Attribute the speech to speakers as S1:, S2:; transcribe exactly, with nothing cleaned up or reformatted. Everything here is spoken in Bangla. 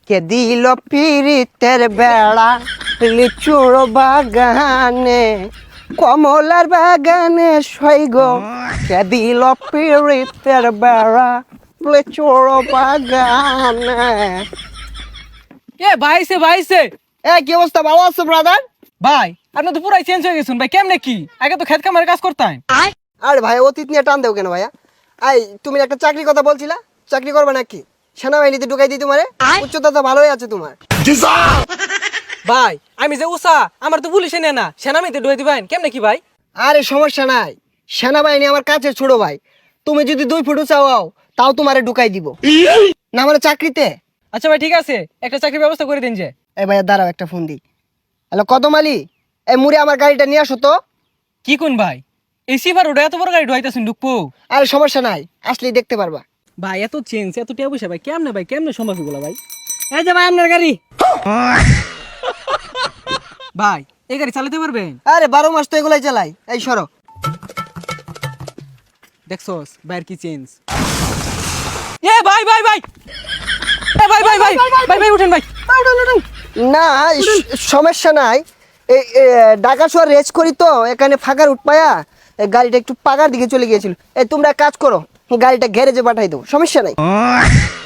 S1: কে দিল পিরিতের বেড়া লিচুর বাগানে কমলার বাগানে সইগ কে দিল পিরিতের বেড়া লিচুর বাগানে।
S2: এ ভাইছে ভাইছে
S1: এ কি অবস্থা, ভালো আছো ব্রাদার?
S2: ভাই আপনি তো পুরাই চেঞ্জ হয়ে গেছেন ভাই, কেমনে কি? আগে তো খেত কামারে কাজ করতেন।
S1: আরে ভাই অতীত নিয়ে টান দেও কেন ভাইয়া? আই তুমি একটা চাকরির কথা বলছিলা, চাকরি করবে নাকি? সেনাবাহিনীতে ঢুকাই দিই তোমারে, উচ্চতা তো ভালোই আছে তোমার।
S2: ভাই আমি যে উষা আমার তো পুলিশে নেয় না, সেনামিতে ডুয়ে দিবেন কেমনে কি ভাই?
S1: আরে সমস্যা নাই, সেনাবাহিনী আমার কাছে ছোট ভাই। তুমি যদি দুই ফুট চাও তাও তোমারে ঢুকাই দিব না মানে চাকরিতে।
S2: আচ্ছা ভাই ঠিক আছে, একটা চাকরির ব্যবস্থা করে দিন যে।
S1: এই ভাইয়া দাঁড়াও, একটা ফোন দিই। হ্যালো কদম আলী, এই মুড়ে আমার গাড়িটা নিয়ে আসো তো।
S2: কি কোন ভাই, এই সিভার ওটা এত বড় গাড়ি ঢুকাইতেছেন ঢুকবো?
S1: আরে সমস্যা নাই, আসলেই দেখতে পারবা।
S2: ভাই এত চেঞ্জ এত টিয়া পয়সা ভাই কেমনে ভাই, কেমনে সম্ভব এগুলো ভাই? এই যে ভাই আপনার গাড়ি। ভাই এই গাড়ি চালাতে পারবেন?
S1: আরে বারো মাস তো এগুলাই চালাই। এই সরো।
S2: দেখছস ভাইয়ের কি চেঞ্জ। এ ভাই ভাই ভাই এ ভাই ভাই ভাই ভাই ভাই উঠেন ভাই।
S1: না স- সমস্যা নাই। এই এ, ঢাকা শহর রেস করি তো, এখানে ফাঁকার উঠপায়া এই গাড়িটা একটু পাকার দিকে চলে গিয়েছিল। এই তোমরা এক কাজ করো, গাড়িটা গ্যারেজে পাঠাই দাও, সমস্যা নাই।